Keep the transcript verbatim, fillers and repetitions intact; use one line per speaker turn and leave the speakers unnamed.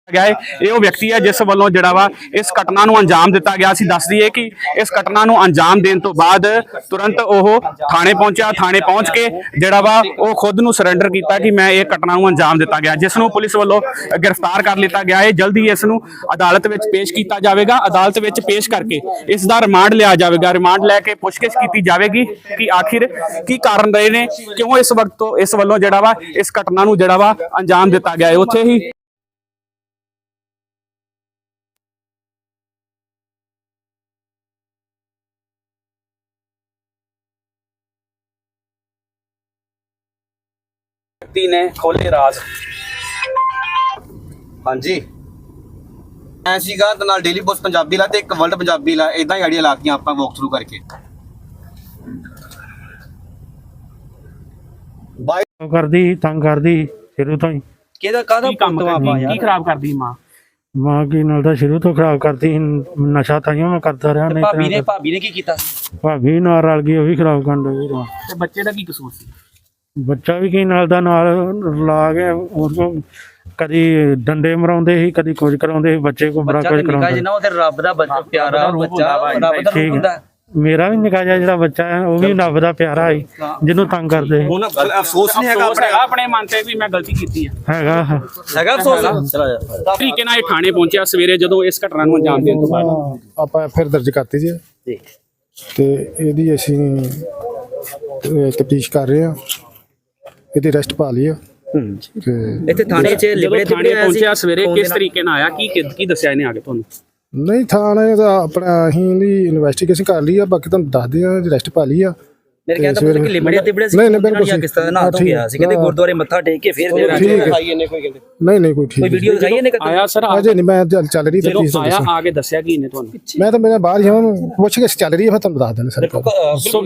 ਗਿਆ ਹੈ। ਇਹ ਉਹ ਵਿਅਕਤੀ ਹੈ ਜਿਸ ਵੱਲੋਂ ਜਿਹੜਾ ਵਾ ਇਸ ਘਟਨਾ ਨੂੰ ਅੰਜਾਮ ਦਿੱਤਾ ਗਿਆ ਸੀ। ਦੱਸ ਦਈਏ ਕਿ ਇਸ ਘਟਨਾ ਨੂੰ ਅੰਜਾਮ ਦੇਣ ਤੋਂ ਬਾਅਦ ਤੁਰੰਤ ਉਹ ਥਾਣੇ ਪਹੁੰਚਿਆ। ਥਾਣੇ ਪਹੁੰਚ ਕੇ ਜਿਹੜਾ ਵਾ ਉਹ ਖੁਦ ਨੂੰ ਸਰੈਂਡਰ ਕੀਤਾ ਕਿ ਮੈਂ ਇਹ ਘਟਨਾ ਨੂੰ ਅੰਜਾਮ ਦਿੱਤਾ ਗਿਆ, ਜਿਸ ਨੂੰ ਪੁਲਿਸ ਵੱਲੋਂ ਗ੍ਰਿਫਤਾਰ ਕਰ ਲਿੱਤਾ ਗਿਆ ਹੈ। ਜਲਦੀ ਇਸ ਨੂੰ ਅਦਾਲਤ ਵਿੱਚ ਪੇਸ਼ ਕੀਤਾ ਜਾਵੇਗਾ। ਅਦਾਲਤ ਵਿੱਚ ਪੇਸ਼ ਕਰਕੇ ਇਸ ਦਾ ਰਿਮਾਂਡ ਲਿਆ ਜਾਵੇਗਾ। ਰਿਮਾਂਡ ਲੈ ਕੇ ਪੁੱਛਗਿੱਛ ਕੀਤੀ ਜਾਵੇਗੀ ਕਿ ਆਖਿਰ ਕੀ ਕਾਰਨ ਰਹੇ ਨੇ, ਕਿਉਂ ਇਸ ਵਕਤ ਤੋਂ ਇਸ ਵੱਲੋਂ ਜਿਹੜਾ ਵਾ ਇਸ ਘਟਨਾ ਨੂੰ ਜਿਹੜਾ ਵਾ ਅੰਜਾਮ ਦਿੱਤਾ ਗਿਆ ਹੈ। ਉੱਥੇ ਹੀ ने खोले राज।
हाँ जी मैं सीगा ते नाल डेली पोस्ट पंजाबी ला ते एक वर्ल्ड पंजाबी ला इदां ही आइडिया लातियां आपां वॉक थ्रू करके
ਬਾਈ ਕਰਦੀ ਤੰਗ ਕਰਦੀ ਸ਼ੁਰੂ ਤੋਂ ਹੀ।
ਕਿਹਦਾ ਕਾਹਦਾ
ਕੰਮ ਕੀ ਖਰਾਬ ਕਰਦੀ ਮਾਂ
ਮਾਂ ਕੀ ਨਾਲ ਤਾਂ ਸ਼ੁਰੂ ਤੋਂ ਖਰਾਬ ਕਰਦੀ ਸੀ, ਨਸ਼ਾ ਤਾਂ ਮੈਂ ਕਰਦਾ ਰਿਹਾ। ਨਹੀਂ
ਭਾਬੀ ਨੇ ਭਾਬੀ ਨੇ ਕੀ ਕੀਤਾ?
ਭਾਬੀ ਨਾਲ ਰਲ ਗਈ, ਉਹ ਵੀ ਖਰਾਬ ਕਰਨ ਲੱਗੀ।
ਤੇ ਬੱਚੇ ਦਾ ਕੀ ਕਸੂਰ ਸੀ?
ਬੱਚਾ ਵੀ ਕੀ ਨਾਲ ਦਾ ਨਾਲ ਲਾ ਕੇ ਉਹ ਕਦੀ ਡੰਡੇ ਮਰਾਉਂਦੇ ਸੀ, ਕਦੀ ਕੁਝ ਕਰਾਉਂਦੇ ਸੀ। ਬੱਚੇ ਕੋ ਬੜਾ ਕੁਝ ਕਰਾਉਂਦੇ।
ਜਿੰਨਾ ਉਹ ਤੇ ਰੱਬ ਦਾ ਬੱਚਾ ਪਿਆਰਾ ਬੱਚਾ ਰੱਬ ਦਾ ਰੂਪ ਹੁੰਦਾ।
ਮੇਰਾ ਵੀ ਨਿੱਕਾ ਜਿਹਾ ਜਿਹੜਾ ਬੱਚਾ ਹੈ ਉਹ ਵੀ ਰੱਬ ਦਾ ਪਿਆਰਾ ਹੈ, ਜਿਹਨੂੰ ਤੰਗ ਕਰਦੇ।
ਹੁਣ ਅਫਸੋਸ ਨਹੀਂ ਹੈਗਾ ਆਪਣੇ
ਆਪਣੇ ਮਨ ਤੇ ਵੀ ਮੈਂ ਗਲਤੀ ਕੀਤੀ ਹੈ?
ਹੈਗਾ
ਹੈਗਾ ਅਫਸੋਸ।
ਤਰੀਕੇ ਨਾਲ ਇਹ ਥਾਣੇ ਪਹੁੰਚਿਆ ਸਵੇਰੇ ਜਦੋਂ ਇਸ ਘਟਨਾ ਨੂੰ ਅੰਜਾਮ ਦੇਣ ਤੋਂ ਬਾਅਦ।
ਆਪਾਂ ਫਿਰ ਦਰਜ ਕਰਤੀ ਜੀ ਤੇ ਇਹਦੀ ਅਸੀਂ ਤਫਤੀਸ਼ ਕਰ ਰਹੇ ਹਾਂ। ਇਹਦੀ ਅਰੈਸਟ ਪਾ ਲਈ ਆ। ਤੇ
ਇੱਥੇ ਥਾਣੇ 'ਚ ਲਿਬੜੇ
ਥਾਣੇ ਪਹੁੰਚਿਆ ਸਵੇਰੇ, ਕਿਸ ਤਰੀਕੇ ਨਾਲ ਆਇਆ, ਕੀ ਕੀ ਦੱਸਿਆ ਇਹਨੇ ਆ ਕੇ ਤੁਹਾਨੂੰ?
ਨਹੀਂ ਥਾਣੇ ਦਾ ਆਪਣਾ ਅਸੀਂ ਇਹਦੀ ਇਨਵੈਸਟੀਗੇਸ਼ਨ ਕਰ ਲਈ ਆ, ਬਾਕੀ ਤੁਹਾਨੂੰ ਦੱਸਦੇ ਆ। ਅਰੈਸਟ ਪਾ ਲਈ ਆ।
ਮੇਰੇ ਕਹਿੰਦਾ ਪੁੱਤ ਕਿ ਲਿਬੜੇ ਤਿਬੜੇ ਸੀ।
ਨਹੀਂ ਨਹੀਂ ਬਿਲਕੁਲ
ਕਿਸ ਤਰ੍ਹਾਂ ਨਾ ਤੋਂ ਗਿਆ ਸੀ, ਕਹਿੰਦੇ ਗੁਰਦੁਆਰੇ ਮੱਥਾ ਟੇਕ ਕੇ ਫਿਰ ਦਿਖਾਈ ਇਹਨੇ ਕੋਈ ਕਹਿੰਦੇ
ਨਹੀਂ ਨਹੀਂ ਕੋਈ ਠੀਕ
ਕੋਈ ਵੀਡੀਓ ਦਿਖਾਈ ਇਹਨੇ
ਆਇਆ ਸਰ?
ਅਜੇ ਨਹੀਂ, ਮੈਂ ਚੱਲ ਰਹੀ
ਜਦੋਂ ਆਇਆ ਆ ਕੇ ਦੱਸਿਆ ਕੀ ਇਹਨੇ ਤੁਹਾਨੂੰ?
ਮੈਂ ਤਾਂ ਮੇਰਾ ਬਾਹਰ ਹੀ ਹਾਂ, ਪੁੱਛ ਕੇ ਚੱਲ ਰਹੀ ਹੈ, ਫਿਰ ਤੁਹਾਨੂੰ ਦੱਸ ਦਿੰਦੇ ਸਰ।